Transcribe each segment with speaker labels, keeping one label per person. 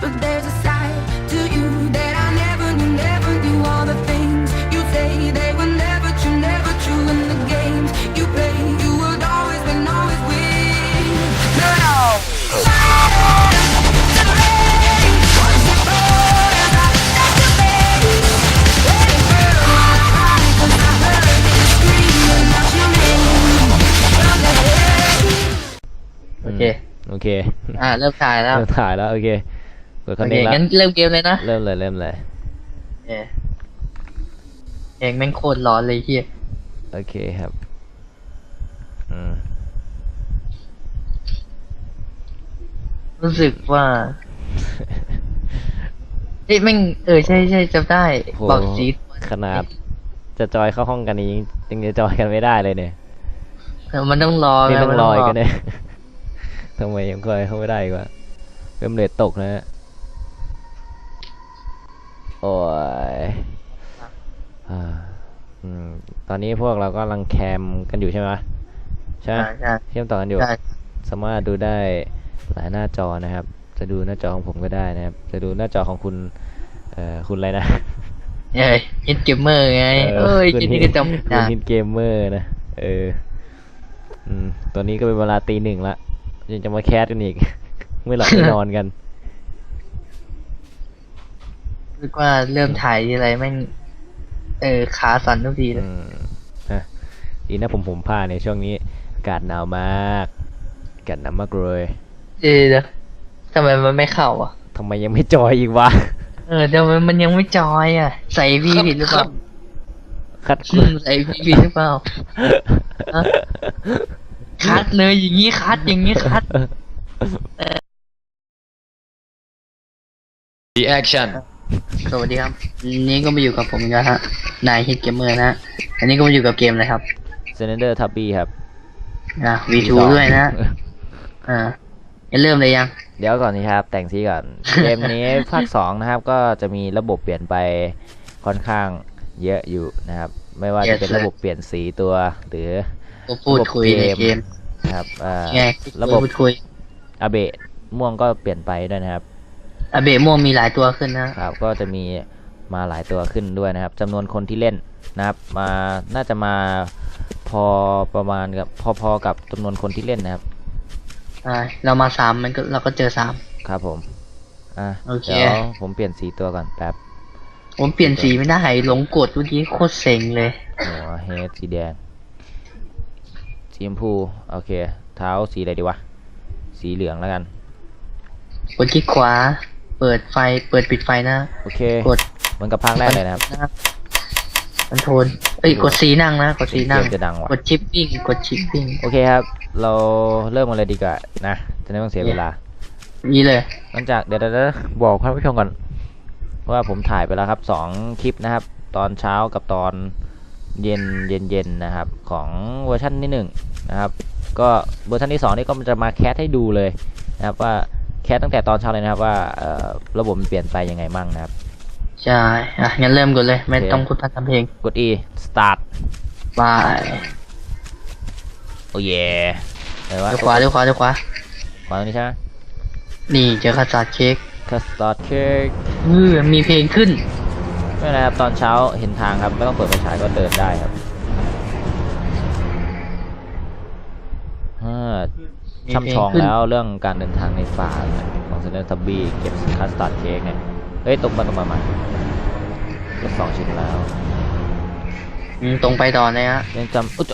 Speaker 1: but there's a side to you that I never knew all the things you say they were never true in the games you play. You would always win, always win. No.
Speaker 2: โอเค
Speaker 3: โอเค
Speaker 2: เริ่มถ่ายแล้ว
Speaker 3: เริ่มถ่ายแล้วโอเคกดคั
Speaker 2: โอน เค
Speaker 3: นี้แล้ว
Speaker 2: งั้นเริ่มเกมเลยนะ
Speaker 3: เริ่มเลย
Speaker 2: เองแม่งโคตรร้อนเลยเฮีย
Speaker 3: โอเคครับอืม
Speaker 2: รู้สึกว่าเฮ้ยแม่งใช่จำได้
Speaker 3: โห
Speaker 2: บอกสี
Speaker 3: ขนาดจะจอยเข้าห้องกันนี้ยังจะจอยกันไม่ได้เลยเนี่ย
Speaker 2: มันต้องรอ
Speaker 3: นี่ต้อง
Speaker 2: มัน
Speaker 3: รออีกกันเนี่ย ทำไมยังจอยเข้าไม่ได้อีกวะเริ่มเลทตกนะฮะโอ้ยอ่าตอนนี้พวกเราก็กำลังแคมกันอยู่ใช่ไหมใช่ไหม
Speaker 2: ใช่
Speaker 3: เชื่อมต่อกันอยู่
Speaker 2: ใช่
Speaker 3: สามารถดูได้หลายหน้าจอนะครับ จะดูหน้าจอของผมก็ได้นะครับ จะดูหน้าจอของคุณคุณอะไรนะ
Speaker 2: ฮิตเกมเมอร์ไง
Speaker 3: คุณ
Speaker 2: คิดนี่ก็จำ
Speaker 3: คุณ
Speaker 2: ได้
Speaker 3: ฮิตเกมเมอร์นะตอนนี้ก็เป็นเวลาตี 1ละยังจะมาแคสกันอีก ไม่หลับไม่นอนกัน
Speaker 2: รู้สึกว่าเริ่มถ่ายทีไรแม่งขาสั่นทุกทีเลย
Speaker 3: ดีนะผมผ้าในช่วงนี้อากาศหนาวมากอากาศหนาวมากเลย
Speaker 2: เดี๋ยวทำไมมันไม่เข้าอ่ะ
Speaker 3: ทำไมยังไม่จอยอีกวะ
Speaker 2: ทำไมมันยังไม่จอยอ่ะ ใส่วีผิดหรือเปล่า
Speaker 3: คัด
Speaker 2: ใส่วีผิดหรือเปล่าฮะคัดเลยอย่างงี้คัดคัด
Speaker 4: The action
Speaker 2: สวัสดีครับนี้ก็มาอยู่กับผมอีกแล้วฮะนายฮิตเกมเมอร์นะอันนี้ก็มาอยู่กับเกมอะไรครับ
Speaker 3: เซนเดอร์ทับบี้ครับ
Speaker 2: V2 ด้วยนะจะเริ่มเลยยัง
Speaker 3: เดี๋ยวก่อนนะครับแต่งซีก่อน เกมนี้ภาค 2นะครับก็จะมีระบบเปลี่ยนไปค่อนข้างเยอะอยู่นะครับ ไม่ว่าจะเป็นระบบเปลี่ยนสีตัวหรือ
Speaker 2: ก็พูดคุยในเกม
Speaker 3: นะครับ
Speaker 2: ไง
Speaker 3: ระบบ
Speaker 2: พูดคุย
Speaker 3: อาเบะม่วงก็เปลี่ยนไปด้วยนะครับ
Speaker 2: อาเบะม่วงมีหลายตัวขึ้นนะครับ
Speaker 3: ก็จะมีมาหลายตัวขึ้นด้วยนะครับจำนวนคนที่เล่นนะครับน่าจะมาพอประมาณกับพอกับจำนวนคนที่เล่นนะครับ
Speaker 2: เรามา3เราก็เจอ3
Speaker 3: ครับผม
Speaker 2: โอเค
Speaker 3: เดี๋ยวผมเปลี่ยนสีตัวก่อนแป๊บ
Speaker 2: ผมเปลี่ยนสีไม่ได้หลงกดเมื่อกี้โคตรเซ็งเลย
Speaker 3: หัวเฮดสีแดงสีชมพูโอเคเท้าสีอะไรดีวะสีเหลืองแล้วกัน
Speaker 2: กดคลิกขวาเปิดปิดไฟนะ
Speaker 3: โอเค
Speaker 2: กด
Speaker 3: เหมือนกับภาคแรกเลยนะครับ
Speaker 2: คอนโทรลกดสีนั่งนะกดสีนั่ง
Speaker 3: เกมจะดังว่ะ
Speaker 2: กดชิปปิ้ง
Speaker 3: โอเคครับเราเริ่มกันเลยดีกว่านะจะได้ไม่ต้องเสียเวลา
Speaker 2: นี่เลย
Speaker 3: หลังจากเดี๋ยวบอกท่านผู้ชมก่อนว่าผมถ่ายไปแล้วครับ2คลิปนะครับ ตอนเช้ากับตอนเย็นนะครับของเวอร์ชันที่1นะครับก็เวอร์ชันที่2นี่ก็จะมาแคสให้ดูเลยนะครับว่าแคสตั้งแต่ตอนเช้าเลยนะครับว่าระบบมันเปลี่ยนไปยังไงมั่งนะครับ
Speaker 2: ใช่งั้นเริ่มกันเลยไม่ต้องพูดพร่ำทำเพลง
Speaker 3: กด E start
Speaker 2: บาย
Speaker 3: โอ้เย่ไหนวะ
Speaker 2: เดี๋ยวขวา
Speaker 3: ขวาตรงนี้ใช่ไหม
Speaker 2: นี่เจอคัสตาร์ดเค้ก
Speaker 3: คัสตาร์ดเค้ก
Speaker 2: มีเพลงขึ้น
Speaker 3: ไม่เป็นไรครับตอนเช้าเห็นทางครับไม่ต้องเปิดไฟฉายก็เดินได้ครับช่ำชองแล้วเรื่องการเดินทางในป่าของเซเลนทับบี้เก็บคัสตาร์ดเค้กเนี่ยเฮ้ยตรงมาเก็บ2 ชิ้นแล้ว
Speaker 2: ตรงไปต่อนะฮะ
Speaker 3: ยังจำ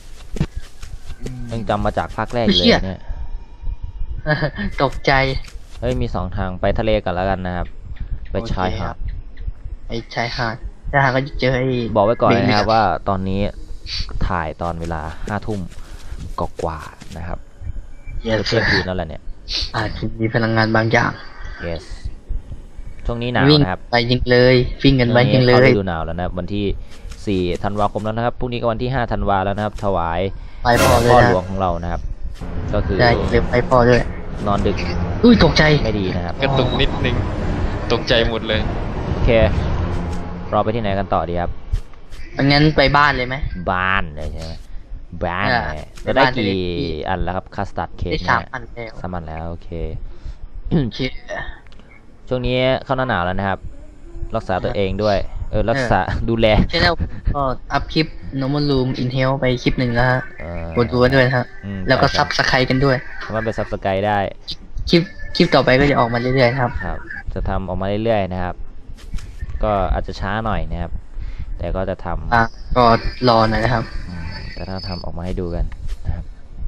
Speaker 3: ยังจำมาจากภาคแรกเลยเนี่ย
Speaker 2: ตกใจ
Speaker 3: เฮ้ยมี2 ทางไปทะเลกันแล้วกันนะครับไปชายหาด
Speaker 2: ไอ้ชายหาดก็จะเจอไอ้
Speaker 3: บอกไว้ก่อนนะครับว่าตอนนี้ถ่ายตอนเวลา5 ทุ่มกว่าๆนะครับ
Speaker 2: เยส
Speaker 3: เที่ยงคืนแล้วแหละเนี่ย
Speaker 2: อาจจะมีพลังงานบางอย่าง
Speaker 3: yes ช่วงนี้หนาว
Speaker 2: วิ่ง
Speaker 3: นะครับ
Speaker 2: ไปยิงเลยวิ่งกันไปยิงเล
Speaker 3: เข้าย ฤดูหนาวแล้วนะครับวันที่4 ธันวาคมแล้วนะครับพรุ่งนี้ก็วันที่5 ธันวาแล้วนะครับถวาย
Speaker 2: ไปพ่อเลย
Speaker 3: พ่อ
Speaker 2: นะ
Speaker 3: หลวงของเรานะครับ ก็คือ
Speaker 2: ได้เร็วไปพ่อด้วย
Speaker 3: นอนดึก
Speaker 2: ตกใจ
Speaker 3: ไม่ดีนะครับ
Speaker 4: กระตุกนิดนึง ตกใจหมดเลย
Speaker 3: โอเคเราไปที่ไหนกันต่อดีครับ
Speaker 2: งั้นไปบ้านเลยไหม
Speaker 3: บ้านเลยใช่ไหมบ้าน
Speaker 2: อ่า
Speaker 3: เลยจะได้
Speaker 2: บ้านจะได้
Speaker 3: กี่อันแล้วครับคัสตาร์ดเค้ก
Speaker 2: ได้
Speaker 3: เนี่ย
Speaker 2: 3 อันแล้ว
Speaker 3: 3 อันแล้วโอเค
Speaker 2: โอเค
Speaker 3: ช่วงนี้เข้าหน้าหนาวแล้วนะครับ รักษาตัวเองด้วย รักษาดูแล
Speaker 2: ใช่แล้วก็อัพคลิป normal room in hell ไปคลิปหนึ่งแล้วฮะ
Speaker 3: เออก
Speaker 2: ดดูกันด้วยนะฮะ แล้วก็ซับสไครกันด้วย
Speaker 3: สามารถไปซับสไครต์ได้
Speaker 2: คลิปต่อไปก็จะออกมาเรื่อยๆนะครับ
Speaker 3: ครับ จะทำออกมาเรื่อยๆนะครับ ก็อาจจะช้าหน่อยนะครับ แต่ก็จะทำ
Speaker 2: ก็รอหน่อยนะครับ
Speaker 3: แต่ถ้าทำออกมาให้ดูกันนะครับ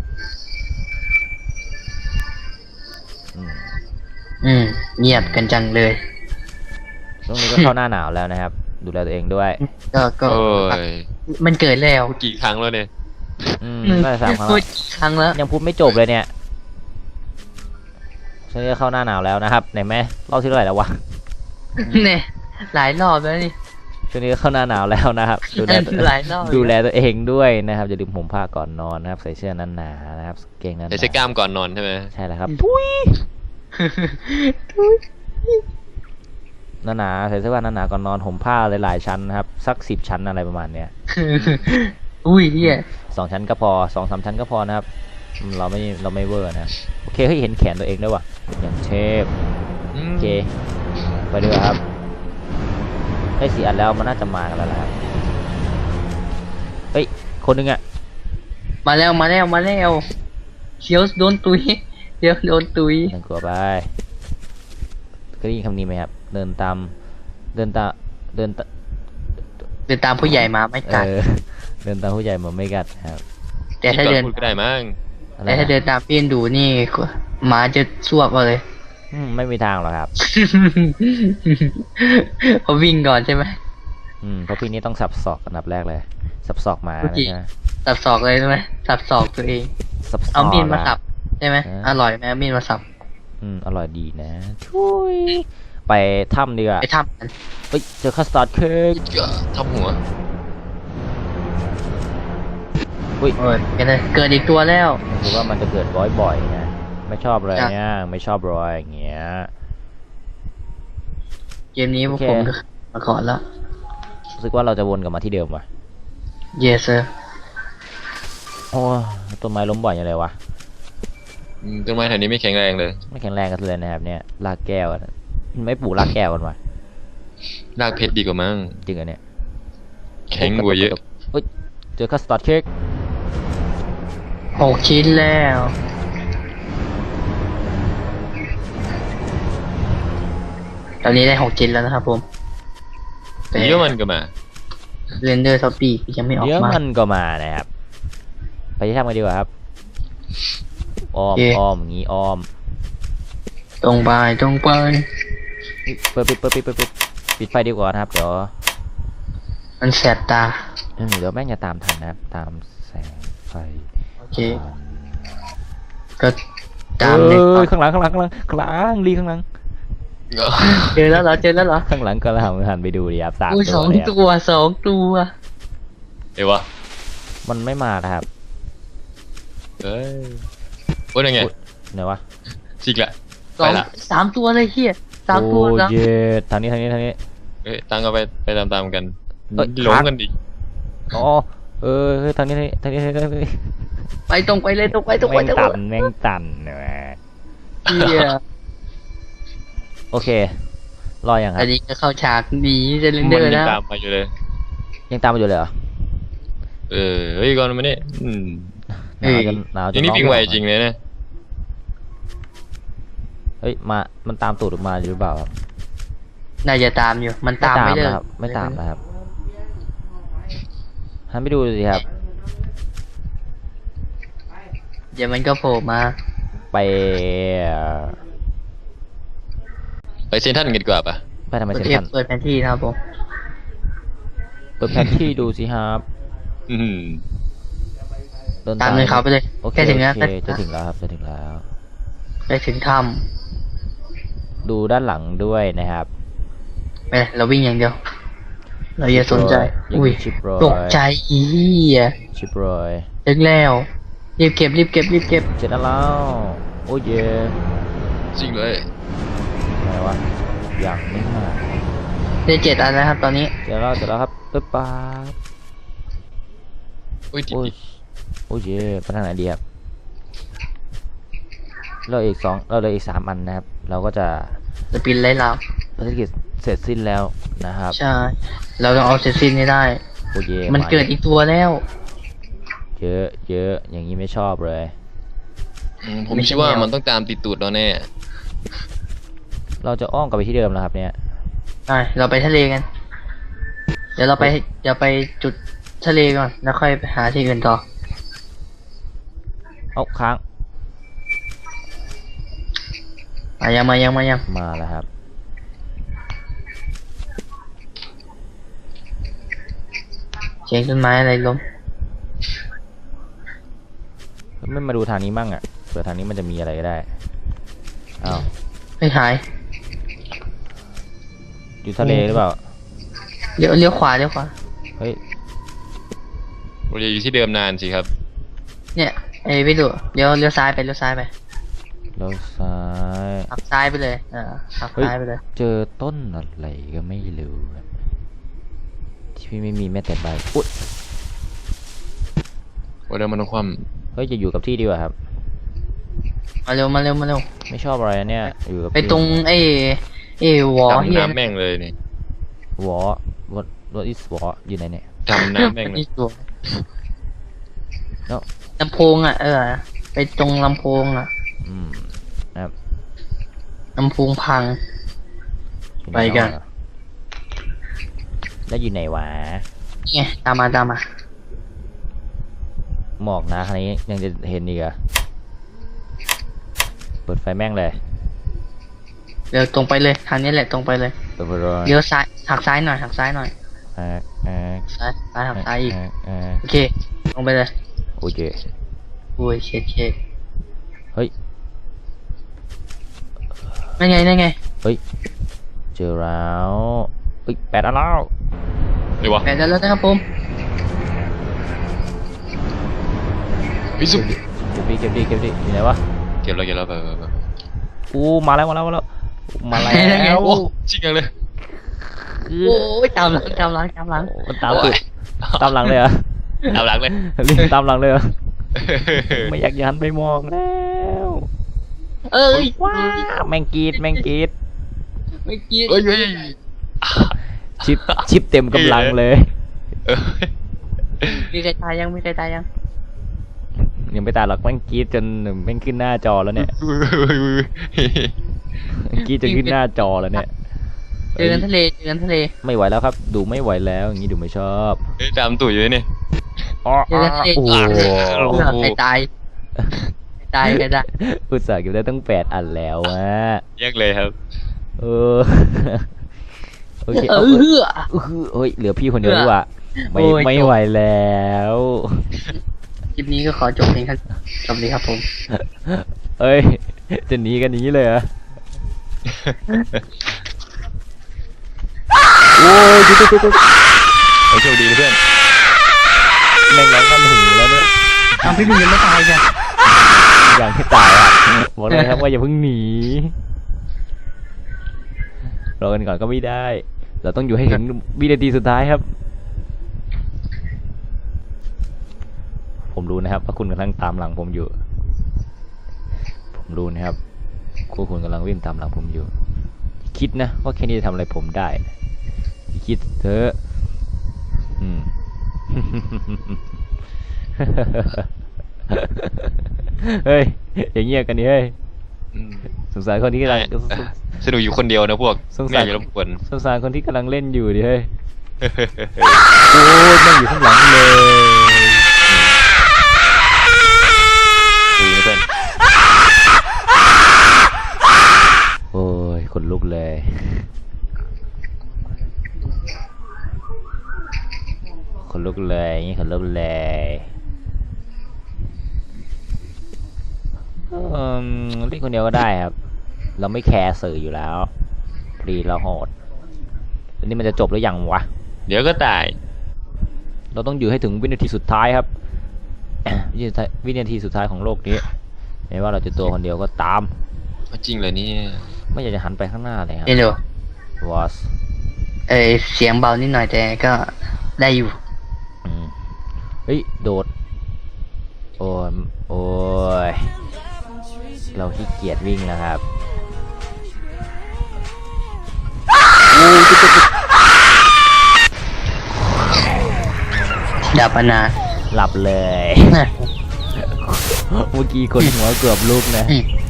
Speaker 3: อืม
Speaker 2: เงียบกันจังเลย
Speaker 3: ช่วงนี้ก็เข้าหน้าหนาวแล้วนะครับ ดูแลตัวเองด้วย
Speaker 2: ก็
Speaker 4: โอ้ย
Speaker 2: มันเกิดแล้ว
Speaker 4: พูดกี่ครั้งแล้วเนี่ย
Speaker 3: ได้3 ครั้ง
Speaker 2: พู
Speaker 3: แล้
Speaker 2: ด
Speaker 3: ว
Speaker 2: ครั้งแล้ว
Speaker 3: ยังพูดไม่จบเลยเนี่ยช่วงนี้ก็เข้าหน้าหนาวแล้วนะครับไหนแม่เล่าที่เท่าไหร่แล้ววะ
Speaker 2: เนี่ยหลายรอบแล้วนี่
Speaker 3: ช่วงนี้ก็เข้าหน้าหนาวแล้วนะครับ ดูแลตัว
Speaker 2: หลายรอบ
Speaker 3: ดูแลตัวเองด้วยนะครับอย่าลืมห่มผ้าก่อนนอนนะครับ ใส่เสื้อหนาๆนะครับเกงหนา
Speaker 4: ใส่เสื้อกล้ามก่อนนอนใช่ไหม
Speaker 3: ใช่แล้วครับหนาๆใส่เสื้อผ้าหนาๆก่อนนอนห่มผ้าหลายๆชั้นนะครับสัก10 ชั้นอะไรประมาณเนี้ย
Speaker 2: อุ้ยเฮีย
Speaker 3: 2 ชั้นก็พอ2-3 ชั้นก็พอนะครับเราไม่เวอร์นะโอเคเฮ้ยเห็นแขนตัวเองด้วยว่ะอย่างเชฟโอเคไปดูครับได้4 อันแล้วมันน่าจะมากันแล้วล่ะครับเฮ้ยคนหนึงอ่ะ
Speaker 2: มาแล้วเชียวโดนตุยเดี๋ยวโดนตุย
Speaker 3: หนึ่งกลัวไปเคยได้ยินคำนี้ไหมครับเดินตาม
Speaker 2: เดินตามผู้ใหญ่มาไม่กัด
Speaker 3: เดินตามผู้ใหญ่มาไม่กัดครับ
Speaker 2: แต่ถ้าเดิน
Speaker 4: พูดก็ได้มั้ง
Speaker 3: อะไร
Speaker 2: แต่ถ้าเดินตามพี่ดูนี่หมาจะสวบเอาเลย
Speaker 3: ไม่มีทางหรอกครับ
Speaker 2: เขาวิ่งก่อนใช่ไหม
Speaker 3: เพราะพี่นี้ต้องสับศอกอันดับแรกเลย สับศอกหมา
Speaker 2: โอ
Speaker 3: นะ
Speaker 2: เค
Speaker 3: ใช่ไหม
Speaker 2: สับศอกเลยใช่ไหมสับศอกตัวเอง
Speaker 3: สับศอก
Speaker 2: เอามีดมา
Speaker 3: อะ
Speaker 2: สับใช่ไหม
Speaker 3: เออ
Speaker 2: อร่อยไหมเอามีดมาสับ
Speaker 3: อร่อยดีนะช่วยไปถ้ำดีกว่า
Speaker 2: ไปทำกัน
Speaker 3: เฮ้ยเจอคัสตาร์ดเค้ก
Speaker 4: ทำหัว
Speaker 3: อุ้ย
Speaker 2: เกิดอีกตัวแล้ว
Speaker 3: คือว่ามันจะเกิดบ่อยๆนะไม่ชอบอะไร
Speaker 2: ครับ
Speaker 3: เนี่ยไม่ชอบรอยอย่างเงี้ย
Speaker 2: เกมนี้พวก
Speaker 3: โอเค
Speaker 2: ผมก็มาก่อนแล้ว
Speaker 3: รู้สึกว่าเราจะวนกลับมาที่เดิมว่ะ
Speaker 2: yes sir
Speaker 3: โอ้ต้นไม้ล้มบ่อยอย่างไรวะ
Speaker 4: ต้นไม้แถวนี้ไม่แข็งแรงเลย
Speaker 3: ไม่แข็งแรงกันเลยนะครับเนี่ยรากแก้วอะไม่ปลูกรากแก้วกันวะ
Speaker 4: รากเพชรดีกว่ามั้ง
Speaker 3: จริงเหรอเนี่ย
Speaker 4: แข็งกว่าเยอะ
Speaker 3: เฮ้ยเจอคัสตาร์ดเค้ก
Speaker 2: 6 ชิ้นแล้ว ตอนนี้ได้6 ชิ้นแล้วนะครับผม
Speaker 4: เยอะมันก็มา
Speaker 2: เรนเดอร์ท็อปปี้ยังไม่ออก
Speaker 3: เดี๋ยว
Speaker 2: มา
Speaker 3: มันก็มานะครับไปที่ถ้ำกันดีกว่าครับอ้อม
Speaker 2: โอเค
Speaker 3: อ้อมงี้อ้อม
Speaker 2: ตรงไปตรงไป
Speaker 3: ปิดไฟดีกว่านะครับ เดี๋ยว
Speaker 2: มันแสบตา
Speaker 3: เดี๋ยวแม่งจะตามทันนะครับ ตามแสงไฟ
Speaker 2: โอเค ก็ตาม
Speaker 3: เอ้
Speaker 2: เลย
Speaker 3: ยข้างหลังลีข้างหลัง
Speaker 2: เจอแล้วเหรอ
Speaker 3: ข้างหลังก็หันไปดูดิครับ3
Speaker 2: อุ้ย
Speaker 3: ตัวเลยครับ
Speaker 2: สองตัว
Speaker 4: เดี๋ยววะ
Speaker 3: มันไม่มานะครับ
Speaker 4: เอ้ยโอ้ยยังไง
Speaker 3: ไหนวะ
Speaker 4: จิกละ
Speaker 2: สอง
Speaker 4: ไปละ
Speaker 2: 3 ตัวเลยเฮีย3 ตัว
Speaker 3: โอ้
Speaker 2: นะ
Speaker 3: เย็ดทางนี้
Speaker 4: เอ้ยตั้งเอาไปตามๆกัน
Speaker 3: เอ้ย
Speaker 4: หลงกันดิ
Speaker 3: อ๋อเฮ้ยทางนี้
Speaker 2: ไปตรงไปเลยตรงไป
Speaker 3: แม่งตันเนี่ยแหละ
Speaker 2: เฮีย
Speaker 3: โอเค รออย่างค
Speaker 2: อั
Speaker 3: รับ
Speaker 2: นนี้ก็เข้าฉากหนีเรน
Speaker 4: มั
Speaker 2: เด
Speaker 4: น
Speaker 2: อร์
Speaker 4: ยัง
Speaker 2: นะ
Speaker 4: ตามมาอยู่เลย
Speaker 3: ยังตามมาอยู่เลยเหรอ
Speaker 4: เฮ้ยก่อนมาเนี่ย
Speaker 3: หนาวจ
Speaker 4: นี่
Speaker 3: ร้อ
Speaker 4: วิ่งไวจริงเลยนะ
Speaker 3: เฮ้ยมันตามตูดออกมาหรือเปล่าครับ
Speaker 2: น่าจะตามอยู่ มันตามไม่ได้
Speaker 3: นะครับไม่ตามนะครับหันไปดูสิครับ
Speaker 2: เดี๋ยวมันก็โผล่มา
Speaker 3: ไป
Speaker 4: ไปเซนทรันกันดีกว่าปะ
Speaker 3: ไปทำไม
Speaker 2: เปิด
Speaker 3: เซ็น
Speaker 2: เอ
Speaker 3: ท
Speaker 2: ฟ
Speaker 3: รัล
Speaker 2: เปิดแผนที่นะครับผม
Speaker 3: เปิดแผนที่ดูสิครับ
Speaker 4: อืม
Speaker 3: เดิน
Speaker 2: ตามเลยเขาไปเลย
Speaker 3: โอเค
Speaker 2: แค่ถึงแล้ว
Speaker 3: โอเคจะถึงแล้วครับจะถึงแล้ว
Speaker 2: ไปถึงถ้
Speaker 3: ดูด้านหลังด้วยนะครับ
Speaker 2: ำไปเราวิ่งอย่างเดียว เราอย่าสนใจ
Speaker 3: ยัง
Speaker 2: อุ้ย
Speaker 3: มีชิปโรย
Speaker 2: ตกใจอีเหี้ย
Speaker 3: ชิปโรย
Speaker 2: ถึงแล้วรีบเก็บ
Speaker 3: เสร็จแล้วโอ้ยเย่
Speaker 4: จริงเลย
Speaker 3: อะไรวะอย่างไม่มา
Speaker 2: ได้7 อันแล้วครับตอนนี้
Speaker 3: เสร็จแล้วครับปึ๊บป๊าบ
Speaker 4: อุ้ยติด
Speaker 3: โอ้ยโอ้ยเย่ไปทางไหนดีครับเราเหลืออีก3 อันนะครับ เราก็จะ
Speaker 2: สปินไล่เรา
Speaker 3: ภารกิจเสร็จสิ้นแล้วนะครับ
Speaker 2: ใช่ เราต้องเอาเซซินให้ได้
Speaker 3: โอ้เย
Speaker 2: มันเกิดอีกตัวแล้ว
Speaker 3: เยอะเยอะอย่างนี้ไม่ชอบเลย
Speaker 4: ผม
Speaker 2: ไม่ใช่
Speaker 4: คิดว่า
Speaker 2: แนว
Speaker 4: มันต้องตามติดตูดเราแน่
Speaker 3: เราจะอ้อมกลับไปที่เดิมแล้วครับเนี่ย
Speaker 2: ไปเราไปทะเลกัน เดี๋ยวเราไปจุดทะเลก่อน แล้วค่อยไปหาที่อื่นต่อ
Speaker 3: เอาค้าง
Speaker 2: ยังมายัง
Speaker 3: มาแล้วครับ
Speaker 2: เสียงต้นไม้อะไรล้ม
Speaker 3: ไม่มาดูทางนี้มั่งอ่ะเผื่อทางนี้มันจะมีอะไรก็ได้อ้าว
Speaker 2: ไม่หาย
Speaker 3: อยู่ทะเลหรือเปล่า
Speaker 2: เลี้ยวขวา
Speaker 3: เฮ้ย
Speaker 4: เราจะอยู่ที่เดิมนานสิครับ
Speaker 2: เนี่ยพี่ดูเลี้ยวซ้ายไป
Speaker 3: เราซ้าย
Speaker 2: หักซ้ายไปเลยหัก
Speaker 3: เฮ้ย
Speaker 2: ซ้ายไปเลย
Speaker 3: เจอต้นอะไรก็ไม่รู้ครับที่พี่ไม่มีแม้แต่ใบอุ๊ย
Speaker 4: ว่าเดิมมันต้องคว่
Speaker 3: เฮ้ยจะอยู่กับที่ดีกว่าครับ
Speaker 2: มาเร็ว
Speaker 3: ไม่ชอบอะไรนะเนี่ยอยู่กับ
Speaker 2: ไปตรงวอ
Speaker 4: ำ
Speaker 2: เฮี
Speaker 4: ดำ
Speaker 2: ย
Speaker 4: น้ำแม่งเลยนี่
Speaker 3: วอwhat is วออยู่ไหนเนี่ย
Speaker 4: ดำน้ำแม่งเลย
Speaker 2: นี่ตัว
Speaker 3: เนาะ
Speaker 2: ลำโพงไปตรงลำโพง
Speaker 3: นะครับ
Speaker 2: ลำโพงพัง ไปกัน
Speaker 3: แล้วอยู่ไหนวะ
Speaker 2: นี่ไงตามมา
Speaker 3: หมอกนะคันนี้ยังจะเห็นอีกเหรอเปิดไฟแม่งเลย
Speaker 2: เดี๋ยวตรงไปเลยทางนี้แหละตรงไปเลย
Speaker 3: เปิดไฟเลย
Speaker 2: เลี้ยวซ้ายหักซ้ายหน่อย ซ้ายหักซ้ายอีกโอเคลงไปเลย
Speaker 3: โอเค
Speaker 2: โอ้ยเช็ด
Speaker 3: เฮ้ย
Speaker 2: นั่นไง
Speaker 3: เฮ้ยเจอแล้วเฮ้ย8 อันแล้ว
Speaker 4: เดี๋ยววะ
Speaker 2: แปดแล้วนะครับผม
Speaker 4: พิสุ
Speaker 3: เก็บดิอยู่ไหนวะ
Speaker 4: เก็บแล้วไป
Speaker 3: อู้มาแล้ว
Speaker 4: โอ้จริงจังเลย
Speaker 3: คือ
Speaker 2: โอ้ยตามหลัง
Speaker 3: โอ้มันตามติดตามหลังเลยเหรอ
Speaker 4: ตามหลังเลย
Speaker 3: รีบตามหลังเลยเหรอไม่อยากยันไปมองแล้ว
Speaker 2: เอ้ย
Speaker 3: ว้าวแมงกรีด
Speaker 2: ไม่กิน
Speaker 4: เฮ้ย
Speaker 3: ชิปเต็มกำลังเลย
Speaker 2: มีใครตายยัง
Speaker 3: ยังไม่ตายหรอกแมงกรีดจนแม่งขึ้นหน้าจอแล้วเนี่ยกรีดจนขึ้นหน้าจอแล้วเนี่ย
Speaker 2: เจอกันทะเล
Speaker 3: ไม่ไหวแล้วครับ ดูไม่ไหวแล้วอย่างนี้ดูไม่ชอบ
Speaker 4: ตามตูดอยู่นี่
Speaker 3: อ๋อ
Speaker 2: เจอกันทะเล
Speaker 3: โอ้โห
Speaker 2: ใครตายกันได้
Speaker 3: อุตส่าห์เก็บได้ตั้ง8 อันแล้วอะ
Speaker 4: แยกเลยครับ
Speaker 3: เออโอเค
Speaker 2: เอ
Speaker 3: เฮ้ยเหลือพี่คนเดียวดีกว่าไม่
Speaker 2: โอ้ย
Speaker 3: ไม่ไหวแล้ว
Speaker 2: คลิปนี้ก็ขอจบเพียงแค่จบเลยครับผม
Speaker 3: เอ้ยจะหนีกันอย่างนี้เลยเหรอโอ้ยจุ๊บ
Speaker 4: โอ้โชคดีนะเพื่อน
Speaker 3: แม่งร้องกันหูแล้วเนี่ย
Speaker 2: พี่บินยังไม่ตายจ้ะ
Speaker 3: อย่างที่ตายอ่ะบอกเลยครับว่าอย่าเพิ่งหนีรอกันก่อนก็ไม่ได้ เราต้องอยู่ให้ถึงวินาทีสุดท้ายครับ ผมรู้นะครับว่าคุณกำลังตามหลังผมอยู่ ผมรู้นะครับคุณกำลังวิ่งตามหลังผมอยู่ คิดนะว่าแค่นี้จะทำอะไรผมได้ คิดเถอะ เฮ้ยอย่างเงี้ยกันนี่เฮ้ยสงสารคนที่กำลัง
Speaker 4: สนุกอยู่คนเดียวนะพวก
Speaker 3: สง
Speaker 4: ไม่
Speaker 3: สา
Speaker 4: อ
Speaker 3: ร
Speaker 4: ยากจะรบกวน
Speaker 3: สงสารคนที่กำลังเล่นอยู่ดิเฮ้ย โอ้ยแม่งอยู่ข้างหลังเลย
Speaker 4: ดีนะเพื่อน
Speaker 3: โอ้ยขนลุกเลยขนลุกเลยนี่ขนลุกเลยเล่นคนเดียวก็ได้ครับ เราไม่แคร์สื่ออยู่แล้วพรีเราโหดอันนี้มันจะจบหรือยังวะ
Speaker 4: เดี๋ยวก็ตาย
Speaker 3: เราต้องอยู่ให้ถึงวินาทีสุดท้ายครับ วินาทีสุดท้ายของโลกนี้ไม่ว่าเราจะตัวคนเดียวก็ตาม
Speaker 4: จริงเลยนี่
Speaker 3: ไม่อยากจะหันไปข้างหน้าเลยครับ
Speaker 2: นี่ดู
Speaker 3: was
Speaker 2: เสียงเบานิดหน่อยแต่ก็ได้อยู่
Speaker 3: เฮ้ยโดดโอ้ยโอ้ยเราขี้เกียจวิ่งแล้วครับ
Speaker 2: ดับปนา
Speaker 3: หลับเลย เมื่อกี้คนหัวเกือบลุกนะ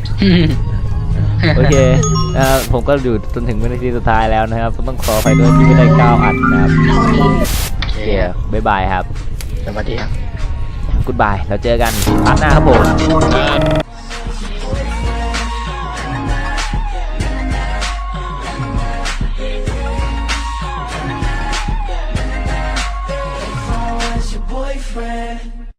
Speaker 3: โอเคผมก็อยู่จนถึงวินาทีสุดท้ายแล้วนะครับต้องขอไปด้วยที่ไม่ได้9อันนะครับ
Speaker 2: โอเค
Speaker 3: บ๊ายบายครับ
Speaker 2: สวัสดีครับ
Speaker 3: กู๊ดบายแล้วเจอกันพาร์ทหน้าครับผม